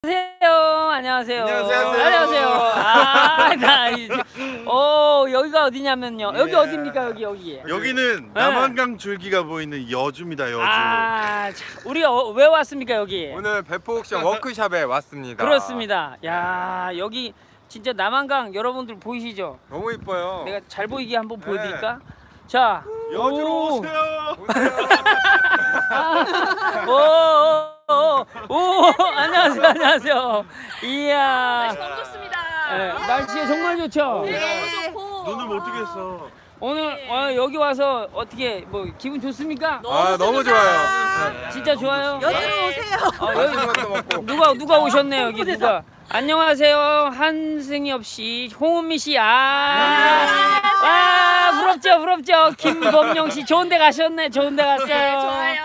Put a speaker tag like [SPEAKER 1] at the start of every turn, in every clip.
[SPEAKER 1] 안녕하세요.
[SPEAKER 2] 안녕하세요.
[SPEAKER 1] 안녕하세요. 나 이제 여기가 어디냐면요. 여기 어디입니까? 여기.
[SPEAKER 2] 여기는 남한강 줄기가 보이는 여주입니다. 여주.
[SPEAKER 1] 우리 왜 왔습니까 여기?
[SPEAKER 3] 오늘 배포옥션 워크숍에 왔습니다.
[SPEAKER 1] 그렇습니다. 야, 여기 진짜 남한강 여러분들 보이시죠?
[SPEAKER 3] 너무 이뻐요.
[SPEAKER 1] 내가 잘 보이게 한번 보여드릴까? 자,
[SPEAKER 2] 여주로 오세요.
[SPEAKER 1] 안녕하세요. 이야.
[SPEAKER 4] 너무 좋습니다.
[SPEAKER 1] 네, 날씨 정말 좋죠?
[SPEAKER 4] 네, 너무 좋고.
[SPEAKER 2] 눈을 어떻게 했어?
[SPEAKER 1] 오늘 여기 와서 어떻게 뭐 기분 좋습니까?
[SPEAKER 3] 너무 좋아요.
[SPEAKER 1] 진짜 좋아요?
[SPEAKER 4] 여주로 오세요.
[SPEAKER 3] 맛있는 것도 먹고.
[SPEAKER 1] 누가 오셨네 여기 누가? 안녕하세요 한승엽 씨, 홍은미 씨, 부럽죠. 김범용 씨 좋은데 가셨네. 좋은데 갔어요.
[SPEAKER 4] 네, 좋아요.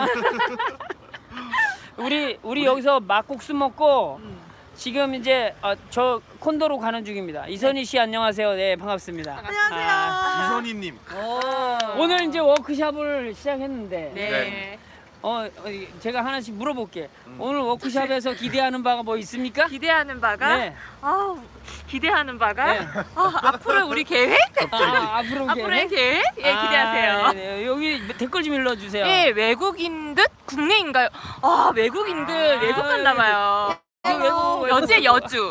[SPEAKER 1] 우리 여기서 막국수 먹고 지금 이제 저 콘도로 가는 중입니다. 이선희 씨 안녕하세요. 네 반갑습니다.
[SPEAKER 4] 안녕하세요.
[SPEAKER 2] 이선희님.
[SPEAKER 1] 오늘 이제 워크숍을 시작했는데
[SPEAKER 4] 네.
[SPEAKER 1] 제가 하나씩 물어볼게. 오늘 워크숍에서 기대하는 바가 뭐 있습니까?
[SPEAKER 4] 기대하는 바가?
[SPEAKER 1] 네.
[SPEAKER 4] 기대하는 바가?
[SPEAKER 1] 네.
[SPEAKER 4] 앞으로 우리 계획? 앞으로의 계획? 예, 기대하세요.
[SPEAKER 1] 네. 여기 댓글 좀 읽어주세요.
[SPEAKER 4] 예, 외국인 듯 국내인가요? 외국인 듯 외국 갔나 봐요. 여주의 여주.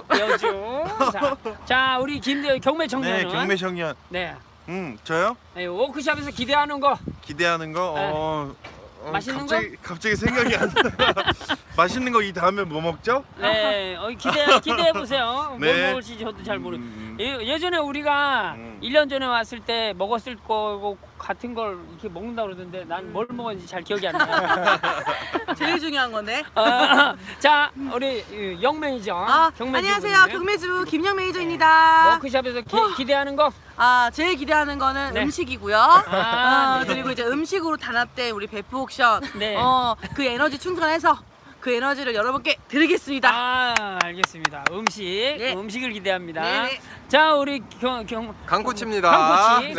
[SPEAKER 1] 자, 우리 경매 청년은.
[SPEAKER 2] 네, 경매 청년.
[SPEAKER 1] 네.
[SPEAKER 2] 저요?
[SPEAKER 1] 네, 워크숍에서 기대하는 거.
[SPEAKER 2] 기대하는 거.
[SPEAKER 1] 맛있는
[SPEAKER 2] 갑자기 생각이 안 나. 맛있는 거 이 다음에 뭐 먹죠?
[SPEAKER 1] 네, 기대해 보세요. 뭘
[SPEAKER 2] 네.
[SPEAKER 1] 먹을지 저도 잘 모르. 예전에 우리가 1년 전에 왔을 때 먹었을 거고 같은 걸 이렇게 먹는다 그러던데 난 뭘 먹었는지 잘 기억이 안 나.
[SPEAKER 5] 제일 중요한 건데.
[SPEAKER 1] 자, 우리 영 매니저.
[SPEAKER 5] 안녕하세요. 경매주 김영 매니저입니다.
[SPEAKER 1] 워크숍에서 기대하는 거.
[SPEAKER 5] 제일 기대하는 거는
[SPEAKER 1] 네.
[SPEAKER 5] 음식이고요.
[SPEAKER 1] 네.
[SPEAKER 5] 그리고 이제 음식으로 단합된 우리 배프 옥션.
[SPEAKER 1] 네.
[SPEAKER 5] 그 에너지 충전해서 그 에너지를 여러분께 드리겠습니다.
[SPEAKER 1] 알겠습니다. 음식을 기대합니다.
[SPEAKER 5] 네네.
[SPEAKER 1] 자, 우리
[SPEAKER 3] 강코치입니다.
[SPEAKER 1] 강코치.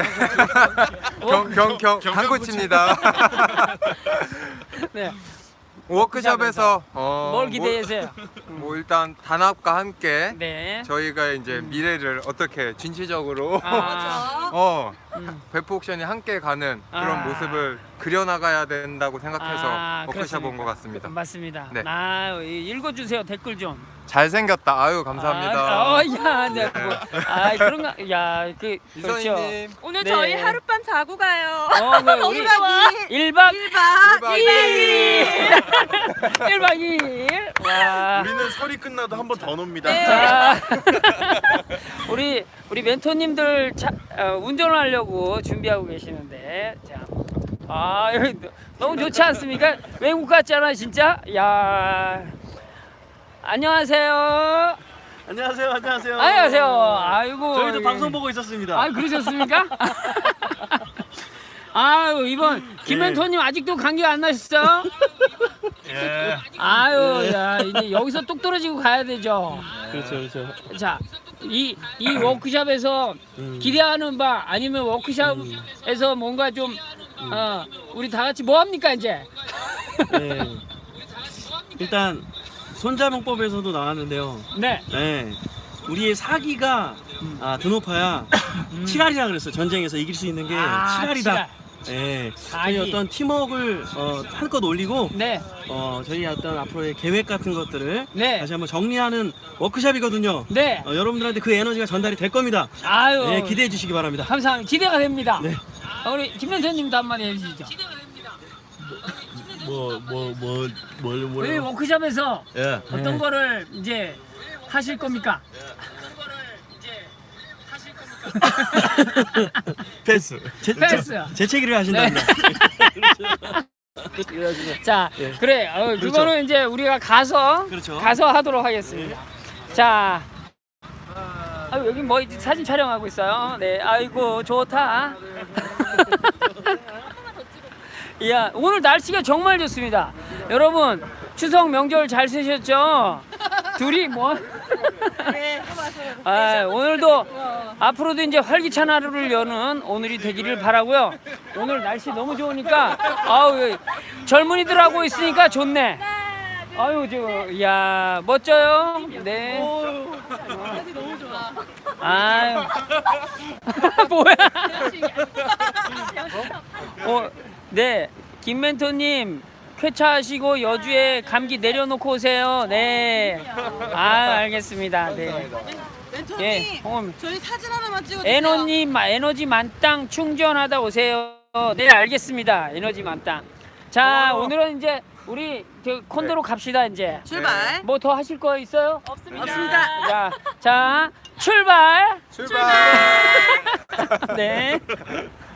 [SPEAKER 3] 강코치입니다.
[SPEAKER 1] 네.
[SPEAKER 3] 워크숍에서
[SPEAKER 1] 뭘 기대하세요?
[SPEAKER 3] 뭐 일단 단합과 함께
[SPEAKER 1] 네.
[SPEAKER 3] 저희가 이제 미래를 어떻게 진취적으로 배포옥션이 함께 가는 그런 모습을 그려나가야 된다고 생각해서 워크숍 온 것 같습니다.
[SPEAKER 1] 맞습니다.
[SPEAKER 3] 네.
[SPEAKER 1] 읽어주세요. 댓글 좀.
[SPEAKER 3] 잘생겼다. 아유 감사합니다.
[SPEAKER 1] 네. 그런가? 그렇죠.
[SPEAKER 3] 이선희님.
[SPEAKER 4] 오늘
[SPEAKER 1] 네.
[SPEAKER 4] 저희 하룻밤 자고 가요.
[SPEAKER 1] 우리
[SPEAKER 5] 1박 2일.
[SPEAKER 1] 1박 2일. 와.
[SPEAKER 2] 우리는 설이 끝나도 한 번 더 놉니다.
[SPEAKER 1] 자, 우리 멘토님들 운전을 하려고 준비하고 계시는데, 여기 너무 좋지 않습니까? 외국 같잖아 진짜. 야, 안녕하세요.
[SPEAKER 6] 안녕하세요.
[SPEAKER 1] 아이고.
[SPEAKER 6] 저희도 방송 보고 있었습니다.
[SPEAKER 1] 그러셨습니까? 이번 김멘토님 아직도 감기 안 나셨어요?
[SPEAKER 6] 예.
[SPEAKER 1] 이제 여기서 뚝 떨어지고 가야 되죠.
[SPEAKER 6] 그렇죠.
[SPEAKER 1] 자, 이 워크숍에서 기대하는 바 아니면 워크숍에서 뭔가 좀 우리 다 같이 뭐 합니까 이제?
[SPEAKER 6] 네. 일단 손자병법에서도 나왔는데요.
[SPEAKER 1] 네.
[SPEAKER 6] 네. 우리의 사기가 드높아야 칠알이라 그랬어요. 전쟁에서 이길 수 있는 게 칠알이다. 네. 저희
[SPEAKER 1] 사기.
[SPEAKER 6] 어떤 팀워크를 한껏 올리고
[SPEAKER 1] 네.
[SPEAKER 6] 저희 어떤 앞으로의 계획 같은 것들을
[SPEAKER 1] 네.
[SPEAKER 6] 다시 한번 정리하는 워크숍이거든요.
[SPEAKER 1] 네.
[SPEAKER 6] 여러분들한테 그 에너지가 전달이 될 겁니다. 네, 기대해 주시기 바랍니다.
[SPEAKER 1] 감사합니다. 기대가 됩니다.
[SPEAKER 6] 네.
[SPEAKER 1] 우리 김멘토님도 한마디 해주시죠. 우리 워크숍에서
[SPEAKER 6] 예.
[SPEAKER 1] 어떤 거를 이제 하실 겁니까?
[SPEAKER 6] 패스. 재채기를 하신답니다.
[SPEAKER 1] 자, 그래. 그거는 이제 우리가 가서 하도록 하겠습니다. 자, 여기 뭐 사진 촬영하고 있어요. 네, 아이고 좋다. 이야, 오늘 날씨가 정말 좋습니다. 여러분 추석 명절 잘 쓰셨죠? 둘이 뭐? 오늘도 앞으로도 이제 활기찬 하루를 여는 오늘이 되기를 바라고요. 오늘 날씨 너무 좋으니까 젊은이들하고 있으니까 좋네. 아유 야 멋져요. 네.
[SPEAKER 5] 사진 너무 좋아.
[SPEAKER 1] 아유. 뭐야? 네. 김멘토님 쾌차하시고 여주에 감기 내려놓고 오세요. 네. 아 알겠습니다. 네.
[SPEAKER 5] 멘토님,
[SPEAKER 1] 예.
[SPEAKER 5] 저희 사진 하나만 찍어주세요.
[SPEAKER 1] 에너지 만땅 충전하다 오세요. 네 알겠습니다. 에너지 만땅. 자 오늘은 이제 우리 저 콘도로 갑시다 이제.
[SPEAKER 5] 출발.
[SPEAKER 1] 뭐 더 하실 거 있어요?
[SPEAKER 5] 없습니다.
[SPEAKER 1] 자 출발.
[SPEAKER 3] 출발.
[SPEAKER 1] 네.